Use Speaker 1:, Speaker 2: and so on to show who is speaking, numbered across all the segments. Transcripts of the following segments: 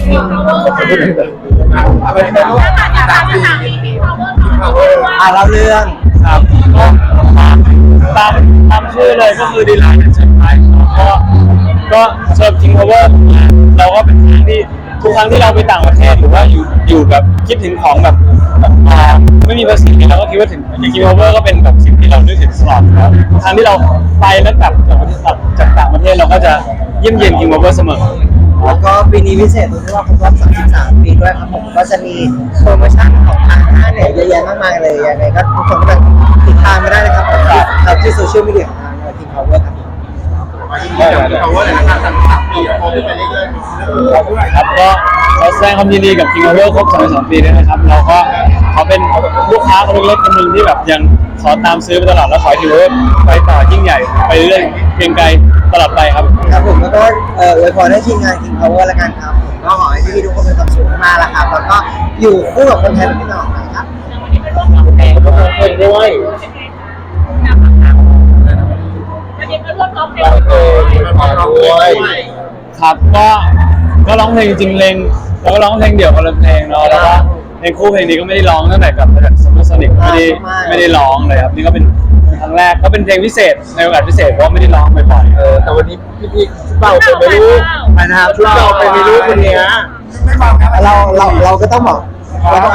Speaker 1: เล่าเรื่อง
Speaker 2: ครับก็ตามชื่อเลยก็คือดีไลน์เป็นเซอร์ไพรส์ก็เชิญKing Powerเราก็เป็นครั้งที่ทุกครั้งที่เราไปต่างประเทศหรือว่าอยู่แบบคิดถึงของแบบไม่มีภาษีเราก็คิดว่าถึงอย่างKing Powerก็เป็นแบบสิ่งที่เรานึกถึงตลอดครับครั้งที่เราไปแล้วแบบจากต่างประเทศเราก็จะเยี่ยมเยียนKing Powerเสมอ
Speaker 1: แล้วก็ปีนี้พิเศษตรงที่ว่าครบรอบ33 ปีด้วยครับผมก็จะมีโปรโมชั่นของทางห้างเนี่ยเยอะแยะมากมายเลยยังไงก็ทุกคนก็ติดตามมาได้นะครับครับที่โซเชียลมีเดียของทางKing Power ครับ
Speaker 3: Power เลยนะครับ33 ปีโตขึ้นไปเรื่อยๆ
Speaker 2: ครับก็เราแสดงความยินดีกับKing Powerครบ32 ปีด้วยนะครับเราก็เขาเป็นลูกค้าคนเล็กๆคนหนึ่งที่แบบยังขอตามซื้อไปตลอดแล้วขอKing Powerไปต่อยิ่งใหญ่ไปเรื่อยเพียงไกลตลอดไปครับ
Speaker 1: ครับผมแล้วก็อวยพรให้ทีมงานKing Power ละกันครับผมก็ขอให้พี่ๆทุกคนมีความสุขมากๆแล้วครับแล้วก็อยู่คู่กับคนไทยเป็นที่ตลอดไปครับ
Speaker 3: วันนี้เป็นร่วมร้องเพลงด้วยวันนี้เป็นร่วมร้องเพลงด้วย
Speaker 2: ครับก็ร้องเพลงจริงเลงแล้วก็ร้องเพลงเดี่ยวคนละเพลงเนาะแล้วก็เพลงคู่เพลงนี้ก็ไม่ได้ร้องตั้งแต่กับซัมเมอร์โซนิกไม่ได้ร้องเลยครับนี่ก็เป็นครั้งแรกก็เป็นเพลงพิเศษในโอกาสพิเศษเพราะไม่ได้ร้องบ่อย
Speaker 3: ๆแต่วันนี้พี่เป่าเป็นไม่รู้
Speaker 1: นะครับ
Speaker 3: ชุดเราเป็นไม่รู้คนนี้
Speaker 1: เราก็ต้องบอกเราก็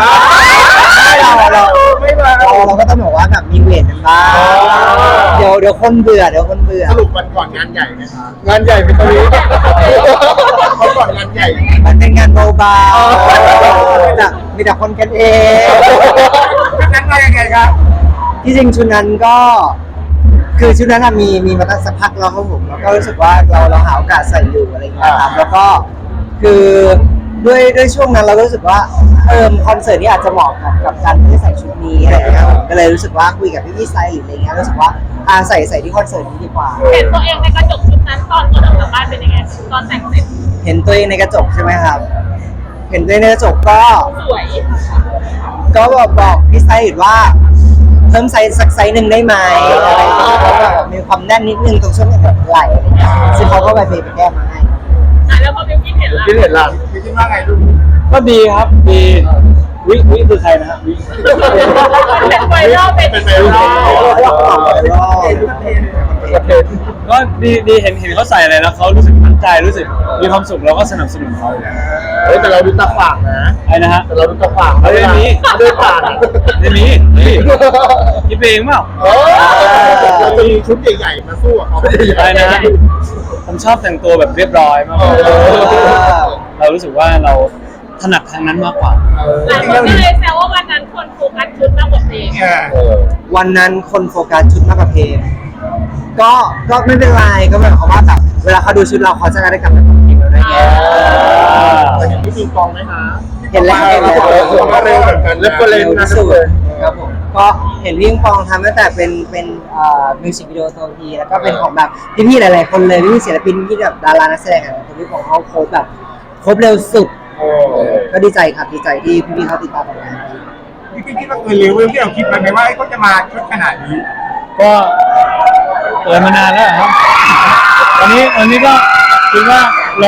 Speaker 1: ต้องบอกว่าแบบมีเวทกันบ้างเดี๋ยวคนเบื่อ
Speaker 3: สรุปวันก่อนงานใหญ่ไหมคะงานใหญ่เป็นตรงนี้เขาก่อนงานใหญ่
Speaker 1: มันเป็นงานเบาๆมีแต่คนกันเอง
Speaker 3: งั้นมายังไงครับ
Speaker 1: ที่จริงชุดนั้นก็คือชุดนั้นมีมาตั้งสักพักแล้วครับผมแล้วก็รู้สึกว่าเราหาโอกาสใส่อยู่อะไรอย่างเงี้ยครับแล้วก็คือด้วยช่วงนั้นเรารู้สึกว่าคอนเสิร์ตนี้อาจจะเหมาะกับการที่ใส่ชุดนี้อะไรอย่างเงี้ยก็เลยรู้สึกว่าคุยกับพี่ไซหรืออะไรเงี้ยรู้สึกว่าใส่ที่คอนเสิร์ตนี้ดีกว่า
Speaker 3: เห็นตัวเองในกระจกชุดนั้นตอนออกจากบ้านเป็นยังไงตอนแต่งเสร็จ
Speaker 1: เห็นตัวเองในกระจกใช่ไหมครับเห็นตัวเองในกระจกก็
Speaker 3: สวย
Speaker 1: ก็บอกพี่ไซว่าเพิ่มไซส์สักไซส์หนึ่งได้ไหมอะไรอย่างเงี้ยเพราะแบบมีความแน่นนิดนึงตรงช่วงแบบไหล่อะไรเงี้ยซึ่งเขาก็ไปแก้มาให้
Speaker 3: แล้วพอเป็นคิดเห็นล่ะคิดว่าไงลูก
Speaker 2: ก็ดีครับดีวิคือใครนะฮะวิ
Speaker 3: เป็นไวรัลเป็นไวรัล
Speaker 2: ก็ดีเห็นเขาใส่อะไรแล้วเขารู้สึกมั่นใจรู้สึกมีความสุขเราก็สนับสนุนเขา
Speaker 3: แต่เราดูตาขวางนะ
Speaker 2: ไอ้นะฮะ
Speaker 3: แต่เราดูตาขวาง
Speaker 2: เรื่องนี้
Speaker 3: เดินผ่าน
Speaker 2: เรื่องนี้คิดเองเปล่า
Speaker 3: เราจะมีชุดใหญ่ๆมาสู้กับเขา
Speaker 2: ไอ้นะผมชอบแต่งตัวแบบเรียบร้อยมากเรารู้สึกว่าเราถนัดทางนั้นมากกว่า
Speaker 3: หลายคนก็เลยแซวว่าวันนั้นคนโฟกัสชุดมากกว่าเพลง
Speaker 1: วันนั้นคนโฟกัสชุดมากกว่าเพลงก็ไม่เป็นไรก็แบบเขาว่าแบบเวลาเขาดูชุดเราเขาจะได้กลับมาทำเพลงเราได้ไง
Speaker 3: เห็นพี่ปิงปองไหมคะ
Speaker 1: เห็นแล้ว
Speaker 3: ก็เร็วเหมือนกันแล้วก็เร็ว
Speaker 1: ที่สุดครับผมก็เห็นพี่ปิงปองทำตั้งแต่เป็นมิวสิกวิดีโอตัวพีแล้วก็เป็นของแบบพี่ๆหลายๆคนเลยพี่ศิลปินพี่แบบดารานักแสดงอะไรพี่ของเขาโครบแบบครบเร็วสุดก็ดีใจครับดีใจที่พี่ๆเขาติดตามผลงาน
Speaker 3: พี่คิดว่าเร็วที่เราคิดไหมว่าเขาจะมาชุดขนาดนี้
Speaker 2: ก็เปิดมานานแล้วครับวันนี้ก็คิดว่า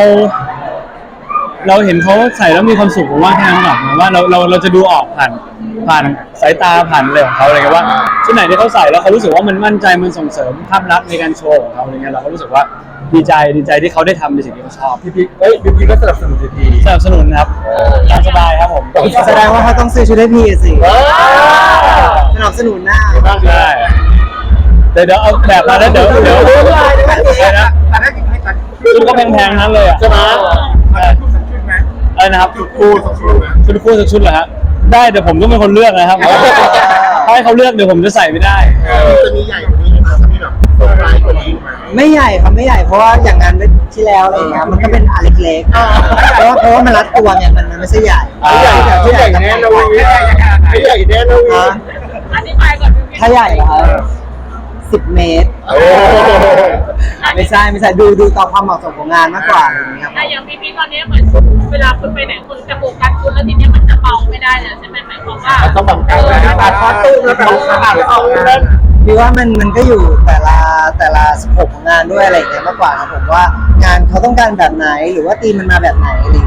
Speaker 2: เราเห็นเขาใส่แล้วมีความสุขผมว่าแค่นั้นก่อนว่าเราจะดูออกผ่านสายตาผ่านอะไรของเขาอะไรเงี้ยว่าชุดไหนที่เขาใส่แล้วเขารู้สึกว่ามันมั่นใจมันส่งเสริมภาพลักษณ์ในการโชว์ของเขาอะไรเงี้ยเราก็รู้สึกว่าดีใจที่เขาได้ทำในสิ่งที่เขาชอบ
Speaker 3: พี่ก็สนับสนุน
Speaker 2: สนับสนุนครับตามสบายครับผม
Speaker 1: แสดงว่าเขาต้องซื้อชุดให้พี่สิสนับสนุนหน้า
Speaker 2: ใช่เดี๋ยวเอาแบบมาแล้วเดี๋ยวนะชุดก็แพงๆนั้นเลยอ่ะ
Speaker 3: ใช่ไหม
Speaker 2: อะไรนะครับ
Speaker 3: ชุดคู่สัก
Speaker 2: ชุดเหรอฮะได้เดี๋ยวผมต้องเป็นคนเลือกนะครับถ้าให้เขาเลือกเดี๋ยวผมจะใส่ไม่ได้
Speaker 3: จะมีใหญ่กว่านี้ไหมจะมีแบบโซนไลท์กว่านี้ไหม
Speaker 1: ไม่ใหญ่ครับไม่ใหญ่เพราะว่าอย่างงานที่แล้วอะไรเงี้ยมันก็เป็นอันเล็กๆเพราะว่ามันรัดตัวเนี่ยมันไม่ใช่ใหญ่
Speaker 3: ใหญ่แน่นอนใหญ่แน่นอนอธิบายก่อน
Speaker 1: ถ้าใหญ่เหรอ10 เมตรไม่ใช่ดูต่อความเหมาะสมของงานมากกว่าอย่างเงี้ยครับ
Speaker 3: อย่างพี่ตอนนี้เหมือนเวลาคุณไปไหนคุณจะโฟกัสคุณแล้วทีนี้มันจะเบาไม่ได้เลยใช่ไหมหมายความว่าต้องบังคับตัดคอตู้แล้วแบบขาดออกนั่น
Speaker 1: พี่ว่ามันก็อยู่แต่ละสโคปของงานด้วยอะไรอย่างเงี้ยมากกว่าครับผมว่างานเขาต้องการแบบไหนหรือว่าทีมมันมาแบบไหนอะไรอย่างเงี้ยผม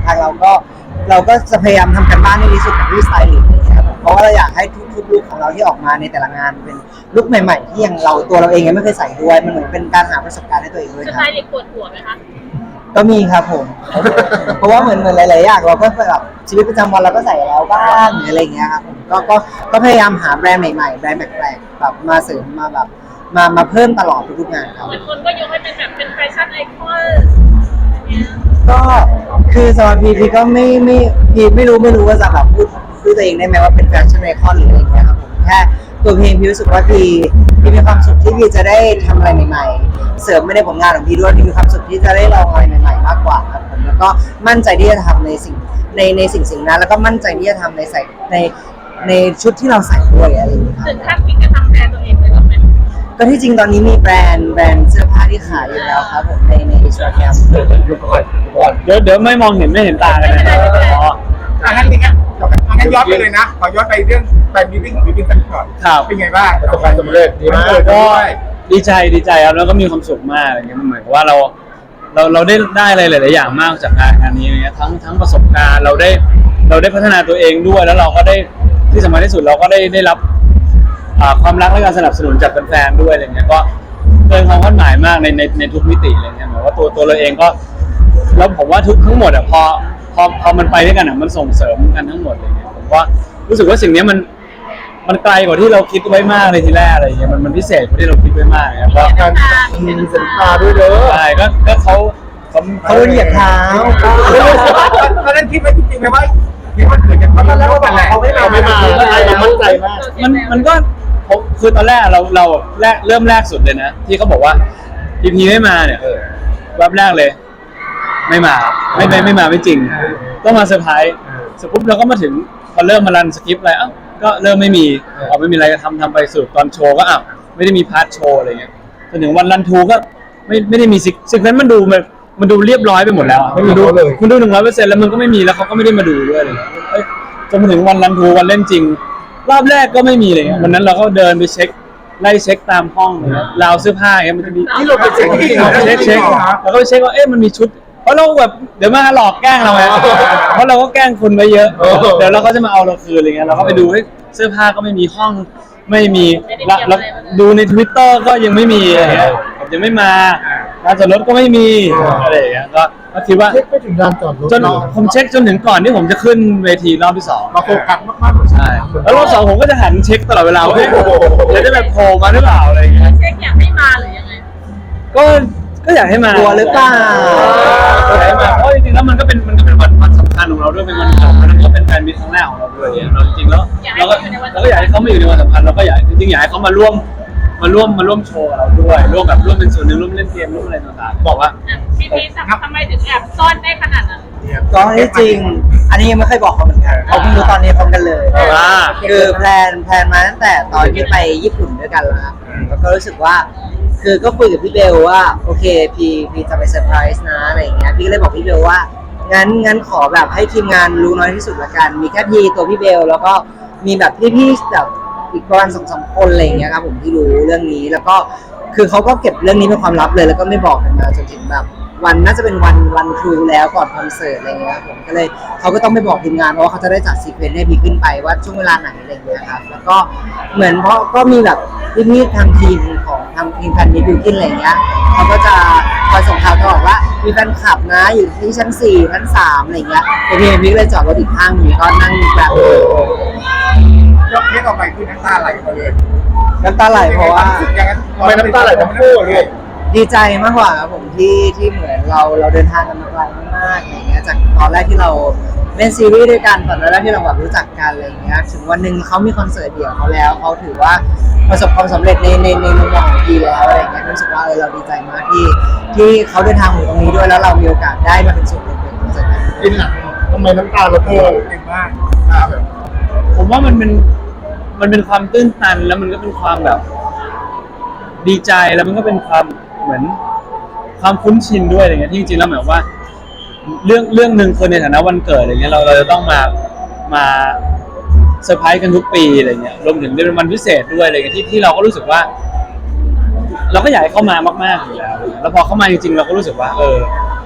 Speaker 1: ทางเราก็จะพยายามทำกันบ้านให้ดีสุดกับที่สไตลิสต์นะครับเพราะว่าเราอยากให้ทุกลุคของเราที่ออกมาในแต่ละงานเป็นลุคใหม่ๆที่ยังตัวเราเองยังไม่เคยใส่ด้วยมันเหมือนเป็นการหาประสบการณ์ให้ตัวเองด้วย
Speaker 3: ส
Speaker 1: ค
Speaker 3: ไต
Speaker 1: รับ
Speaker 3: ล์เด็กปวดหัวไหมคะ
Speaker 1: ก็มีครับผม เพราะว่าเหมือนหลายๆอย่างเราก็แบบชีวิตประจำวันเราก็ใส่แล้วบ้างหรืออะไรอย่างเงี้ยครับผมก็พยายามหาแบรนด์ใหม่ๆแบรนด์แปลกๆแบบมาเสริมมาแบบมาเพิ่มตลอดทุกๆงานครับ
Speaker 3: เหมือนคนก็ยกให้เป็นแบบเป็นแฟชั่นไอคอนเนี่ย
Speaker 1: ก็คือสำหรับพีก็พีไม่รู้ว่าจะแบบพูดตัวเองได้ไหมว่าเป็นแฟชั่นไอคอนหรืออะไรอย่างเงี้ยครับผมแค่ตัวพีรู้สึกว่าพีมีความสุขที่พีจะได้ทำอะไรใหม่ๆเสริมไม่ได้ผลงานของพีด้วยพีมีความสุขที่จะได้ลองอะไรใหม่ๆมากกว่าครับผมแล้วก็มั่นใจที่จะทำในสิ่งนั้นแล้วก็มั่นใจที่จะทำในชุดที่เราใส่ด้วยอะไรอย่างเงี้ยครับ
Speaker 3: ถึงขั้นคิดจะทำแบรนด์ตัวเองเลยหรือไหม
Speaker 1: ก็ที่จริงตอนนี้มีแบรนด์เสื้อผ้าที่ขายอยู่แล้วครับผมในอินสตาแกรม
Speaker 2: เดี๋ยวไม่มองเห็นไม่เห็นตากันนะอ๋อ
Speaker 4: งั้นย้อนไปเลยนะขอย้อนไปเรื่องไปมีติ้งของพี่บิ๊กสักก่อน
Speaker 2: ครับ
Speaker 4: เป็นไงบ้างประสบความสำเร็จดีมาก
Speaker 2: ก็ดีใจครับแล้วก็มีความสุขมากอะไรเงี้ยมันเหมือนกับว่าเราได้อะไรหลายๆอย่างมากจากงานนี้อะไรเงี้ยทั้งประสบการณ์เราได้พัฒนาตัวเองด้วยแล้วเราก็ได้ที่สำคัญที่สุดเราก็ได้รับความรักและการสนับสนุนจากแฟนๆด้วยอะไรเงี้ยก็เกินความคาดหมายมากในทุกมิติอะไรเงี้ยหมายว่าตัวเราเองก็แล้วผมว่าทั้งหมดอ่ะพอมันไปด้วยกันอ่ะมันส่งเสริมกันทั้งหมดอะไรเงี้ยผมก็รู้สึกว่าสิ่งนี้มันไกลกว่าที่เราคิดไว้มากเลยทีแรกอะไรเงี้ยมันพิเศษกว่าที่เราคิดไว้มากครับ
Speaker 4: การมีสัญญาด้วยเด้อ
Speaker 2: ใช่ก็เขา
Speaker 1: เขาเหยียบเท้า
Speaker 4: ตอนนั้นคิดไว้จริงๆไหมว่าคิดว่าเกิดจากความรักกันแหละเราไม่มาเรามั่นใจมาก
Speaker 2: มันก็คือตอนแรกเราเริ่มแรกสุดเลยนะที่เขาบอกว่าพีไม่มาเนี่ยแวบแรกเลยไม่มาไม่จริงต้องมาเซอร์ไพรส์เสร็จปุ๊บเราก็มาถึงพอเริ่มมารันสคริปต์อะไรก็เริ่มไม่มีไม่มีอะไรจะทำไปสุดตอนโชว์ก็ไม่ได้มีพาร์ทโชว์อะไรเงี้ยจนถึงวันรันทูก็ไม่ได้มีสิ่งนั้นมันดูเรียบร้อยไปหมดแล้วไม่มีดูเลยมันดู 100% แล้วมันก็ไม่มีแล้วเขาก็ไม่ได้มาดูด้วยเลยจนมาถึงวันรันทูวันเล่นจริงรอบแรกก็ไม่มีเลยวันนั้นเราก็เดินไปไล่เช็คตามห้องราวเสื้อผ้าอย่างเงี้ยมันจะมี
Speaker 4: ที่เราไปเช็คที่
Speaker 2: เช็คแล้วก็ไปเช็คว่ามันมีชุดเพราะเราแบบเดี๋ยวมาหลอกแกล้งเราไงเพราะเราก็แกล้งคนไปเยอะเดี๋ยวเราก็จะมาเอาเราคืนอะไรเงี้ยเราก็ไปดูเสื้อผ้าก็ไม่มีห้องไม่มีแล้วดูใน Twitter ก็ยังไม่มีอะไรเงี้ยยังไม่มาร้านจอดรถก็ไม่มีอะไรอย่างเงี้ยก็คิดว่า
Speaker 4: เช็คไปถึงลานจอดรถ
Speaker 2: จนผมเช็คจนถึงก่อนที่ผมจะขึ้นเวทีรอบที่2
Speaker 4: มาโฟกัสมากๆ
Speaker 2: ใช่แล้วรอบ2ผมก็จะหันเช็คตลอดเวลาว่าเดี๋ยวจะแบบโผล่มาหรือเปล่าอะไรอย่างเงี้ย
Speaker 3: เช็คอยากให้มาหรือยังไง
Speaker 2: ก็อยากให้มาก
Speaker 1: ลัวหรือเปล่า
Speaker 2: อยากให้มาเพราะจริงๆแล้วมันก็เป็นวันสำคัญของเราด้วยเป็นวันสำคัญแล้วก็เป็นแฟนมิตรครั้งแรกของเราด้วยเราจริงๆแล้วเราก็อยากให้เขามาอยู่ในวันสำคัญเราก็อยากจริงๆอยากให้เขามาร่วมโชว์กับเราด้วยร่วมเป็นส่วนหนึ่งร่วมเล่นเกมร่วมอะไรต่างๆบอกว่า
Speaker 3: พี่ทำไมถึงแอบซ่อนได้ขนาดนั้น
Speaker 1: ก็ที่จริง อันนี้ยังไม่เคยบอกเขาเหมือนกันเขาเพิ่งรู้ตอนนี้พร้อมกันเลย คือแพลนมาตั้งแต่ตอนที่ไปญี่ปุ่นด้วยกันแล้วครับแล้วก็รู้สึกว่า คือก็คุยกับพี่เบลว่าโอเคพี่จะไปเซอร์ไพรส์นะอะไรอย่างเงี้ยพี่ก็เลยบอกพี่เบลว่างั้นขอแบบให้ทีมงานรู้น้อยที่สุดละกันมีแค่พี่ตัวพี่เบลแล้วก็มีแบบพี่ๆแบบอีกประมาณ2-3 คนอะไรอย่างเงี้ยครับผมที่รู้เรื่องนี้แล้วก็คือเขาก็เก็บเรื่องนี้เป็นความลับเลยแล้วก็ไม่บอกกันมาจนถึงแบบวันน่าจะเป็นวันครูแล้วก่อนคอนเสิร์ตอะไรเงี้ยผมก็เลยเขาก็ต้องไม่บอกทีมงานเพราะว่าเขาจะได้จัดซีเควนต์ให้พี่ขึ้นไปว่าช่วงเวลาไหนอะไรเงี้ยครับแล้วก็เหมือนเพราะก็มีแบบพี่ๆทางทีมของทางทีมแฟนมิตรบิวกิ้นอะไรเงี้ยเขาก็จะคอยส่งข่าวตลอดว่ามีแฟนคลับนะอยู่ที่ชั้น4ชั้น3อะไรเงี้ยแต่พี่มิกเลยจอดรถอีกข้างหนึ่งก็นั่งแบบ
Speaker 4: ยกเทปออกไปคือน้ำตาไหลมาเลย
Speaker 1: น้ำตาไหลเพราะว่า
Speaker 4: ไม่น้ำตาไหลทั้งคู่เลย
Speaker 1: ดีใจมากกว่าครับผมที่เหมือนเราเดินทางกันมาไกลมากๆอย่างเงี้ยจากตอนแรกที่เราเล่นซีรีส์ด้วยกันตอนแรกที่เราแบบรู้จักกันอะไรเงี้ยถึงวันหนึ่งเขามีคอนเสิร์ตเดี่ยวเขาแล้วเขาถือว่าประสบความสำเร็จในมุมมองของพี่แล้วอะไรเงี้ยรู้สึกว่าเราดีใจมากที่เขาเดินทางมาถึงตรงนี้ด้วยแล้วเรามีโอกาสได้มาเป็นส่วนหนึ่งในคอนเสิร์ตนั้น
Speaker 4: กินหลังทำไมน้ำตาเราเก่งมากแบบ
Speaker 2: ผมว่ามันเป็นความตื้นตันแล้วมันก็เป็นความแบบดีใจแล้วมันก็เป็นความเหมือนความคุ้นชินด้วยอะไรเงี้ยที่จริงๆแล้วหมายว่าเรื่องหนึ่งคนในฐานะวันเกิดอะไรเงี้ยเราจะต้องมาเซอร์ไพรส์กันทุกปีอะไรเงี้ยรวมถึงเป็นวันพิเศษด้วยอะไรเงี้ยที่เราก็รู้สึกว่า เราก็อยากให้เข้ามามากๆอยู่แล้วแล้วพอเข้ามาจริงๆเราก็รู้สึกว่า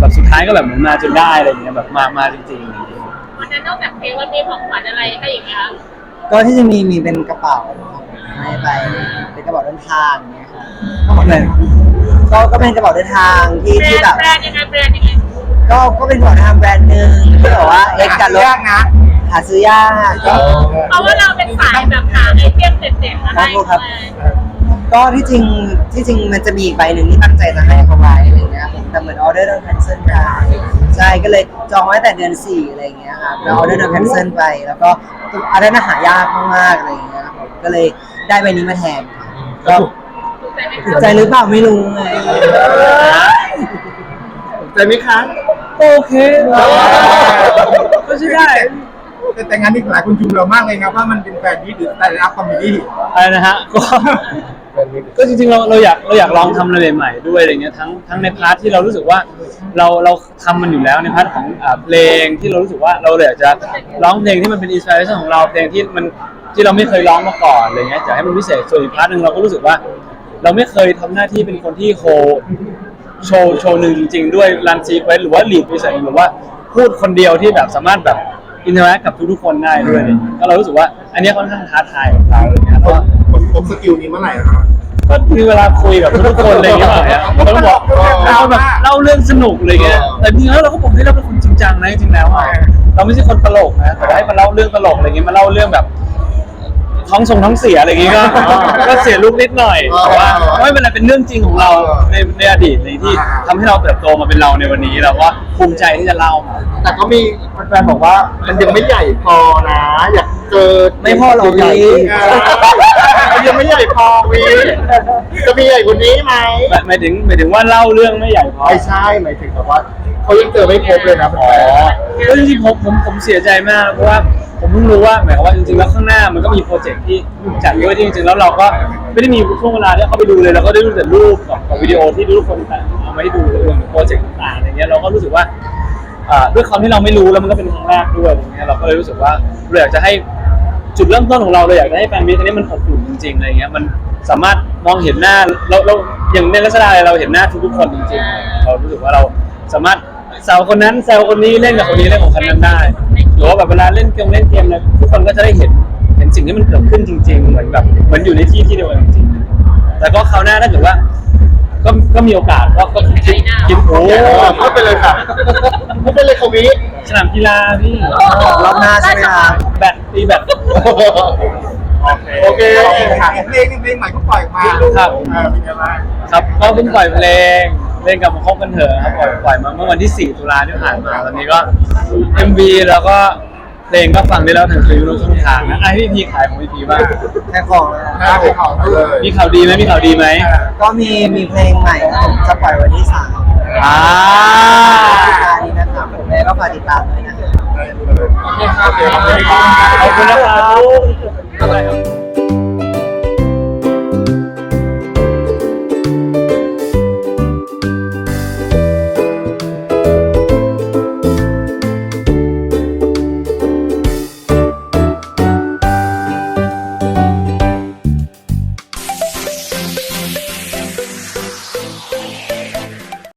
Speaker 2: แบบสุดท้ายก็แบบเหมือนมาจนได้อะไรอย่างเงี้ยแบบมาจริงๆ
Speaker 3: วันนั้นนอกจากเพลงมันมีของขวัญอะไรให้อีกไหมคะ
Speaker 1: ก็ที่จะมีเป็นกระเป๋าให้ไปเป็นกระเป๋าเดินทางเนี่ยครับก็เป็นก็เป็นกระเป๋าเดินทางที่
Speaker 3: แบร
Speaker 1: ที่
Speaker 3: น
Speaker 1: แบบ
Speaker 3: ด์แบรนด์ยังไงแบรนด์ยังไง
Speaker 1: ก็เป็นกระเป๋าเดินทางแบรนด์หนึ่งที่แบบว่าเอ็กซ์กับรถ
Speaker 4: ยากนะ
Speaker 1: หาซื้อยากก็
Speaker 3: เพราะว่าเราเป็นสายแบบหาไอเทมเด็ดๆมาให้
Speaker 1: ครับ ก็ที่จริงมันจะมีอีกใบหนึ่งที่ตั้งใจจะให้เขาไว้อะไรเงี้ยผมแต่เหมือนออเดอร์โดนแคนเซิลไปใช่ก็เลยจองไว้แต่เดือน4อะไรเงี้ยครับแล้วออเดอร์โดนแคนเซิลไปแล้วก็อันนั้นหายากมากๆอะไรเงี้ยครับผมก็เลยได้ใบนี้มาแทนก็
Speaker 3: ถูกใจไหมคะ
Speaker 1: ถูกใจหรือเปล่าไม่รู้ไง
Speaker 4: ใจไหมคะ
Speaker 2: โอเคก็ใช่ได้
Speaker 4: แต่งานนี้หลายคนชมเรามากเลยนะว่ามันเป็นแฟนที่หรือแต่ละคอมเมดี้
Speaker 2: อะไรนะฮะก็จริงๆเราอยากลองทำอะไรใหม่ๆด้วยอะไรเงี้ยทั้งในพาร์ทที่เรารู้สึกว่าเราทำมันอยู่แล้วในพาร์ทของเพลงที่เรารู้สึกว่าเราอยากจะร้องเพลงที่มันเป็นอินสปิเรชันของเราเพลงที่เราไม่เคยร้องมาก่อนอะไรเงี้ยจะให้มันพิเศษส่วนอีกพาร์ทนึงเราก็รู้สึกว่า เราไม่เคยทำหน้าที่เป็นคนที่โชว์หนึ่งจริงๆด้วยรันซีเควสหรือว่าลีดพิเศษหรือว่าพูดคนเดียวที่แบบสามารถแบบอินเทอร์แอคกับทุกๆคนได้ด้วยก็เรารู้สึกว่าอันนี้ค่อนข้างท้าทายของเราอะไรเงี้ยเพราะ
Speaker 4: คนพบสกิลนี้เมื่อไหร่ครับ
Speaker 2: ก็มีเวลาคุยกับทุกคนอะไรอย่างเงี้ยเนี่ยเราก็บอกเราแบบเล่าเรื่องสนุกอะไรเงี้ยแต่จริงๆแล้วเราก็บอกให้เราเป็นคนจริงจังนะจริงๆแล้วอ่ะเราไม่ใช่คนตลกนะแต่ว่าให้มาเล่าเรื่องตลกอะไรเงี้ยมาเล่าเรื่องแบบท้องเสียอะไรอย่างเงี้ยก็เสียลูกนิดหน่อยแต่ว่าไม่เป็นไรเป็นเรื่องจริงของเราในอดีตในที่ทำให้เราเติบโตมาเป็นเราในวันนี้เราก็ภูมิใจที่จะเล่ามา
Speaker 4: แต่ก็มีแฟนๆบอกว่ามันยังไม่ใหญ่พอนะ อยากเจอ
Speaker 1: ไม่พอหรอก
Speaker 4: ใหญ่
Speaker 1: พี่
Speaker 4: มันยังไม่ใหญ่พอวีจะมีใหญ่กว่านี้ไหม
Speaker 2: หมายถึงว่าเล่าเรื่องไม่ใหญ่พอ
Speaker 4: ไม่ใช่หมายถึงแบบว่าเขายังเจอไม่ครบเลยนะ
Speaker 2: อ๋อก็จริงๆผมเสียใจมากเพราะว่าผมเพิ่งรู้ว่าหมายความว่าจริงๆแล้วข้างหน้ามันก็มีโปรเจกต์ที่จัดด้วยที่จริงๆแล้วเราก็ไม่ได้มีช่วงเวลาที่เขาไปดูเลยเราก็ได้ดูแต่รูปกับวิดีโอที่ทุกคนเอามาให้ดูเรื่องโปรเจกต์ต่างๆอะไรเงี้ยเราก็รู้สึกว่าด้วยความที่เราไม่รู้แล้วมันก็เป็นครั้งแรกด้วยอะไรเงี้ยเราก็เลยรู้สึกว่าเราอยากจะให้จุดเริ่มต้นของเราอยากจะให้แฟนมิตรอันนี้มันอบอุ่นจริงๆอะไรเงี้ยมันสามารถมองเห็นหน้าเราอย่างในลักษณะเราเห็นหน้าทุกๆคนจริงๆเรารู้สึกว่าเราสามารถแซวคนนั้นแซวคนนี้เล่นกับคนนี้เล่นกับคนนั้นได้หรือว่าแบบเวลาเล่นเกมอะไรทุกคนก็จะได้เห็นสิ่งที่มันเกิดขึ้นจริงๆเหมือนอยู่ในที่เดียวกันจริงๆแต่ก็คราวหน้าถ้าเกิดว่าก็มีโอกาสก็คิดโอ้
Speaker 4: พูดไปเลยค่ะพูดไปเลยควี
Speaker 2: สนามกีฬาพี่
Speaker 1: รอบหน้าใช่ไหมครับ
Speaker 2: แบดตีแบด
Speaker 4: โอเคค่ะเพลงใหม่ก็ปล่อยออกมา
Speaker 2: ครับ
Speaker 4: เป็นยังไง
Speaker 2: ครับก็เพิ่งปล่อยเพลงเล่นกับมาคบกันเถอะครับปล่อยมาเมื่อวันที่ 4 ตุลาที่ผ่านมาตอนนี้ก็ MV แล้วก็เพลงก็ฟังได้แล้วทางทุกช่องทางนะไอพี่พีขายของพี่พีบ้าง
Speaker 1: แค่ของเลยนะ
Speaker 4: ถ้าเป็นของเลย
Speaker 2: มีข่าวดีไหมมีข่าวดีไหม
Speaker 1: ก็มีเพลงใหม่ครับผมจะปล่อยวันที่3
Speaker 2: อ่า
Speaker 1: นี้นะครับผมแม่ก็ฝากติดตามด้วยนะครับ
Speaker 4: โอเคครับ
Speaker 2: ขอบคุณนะครับ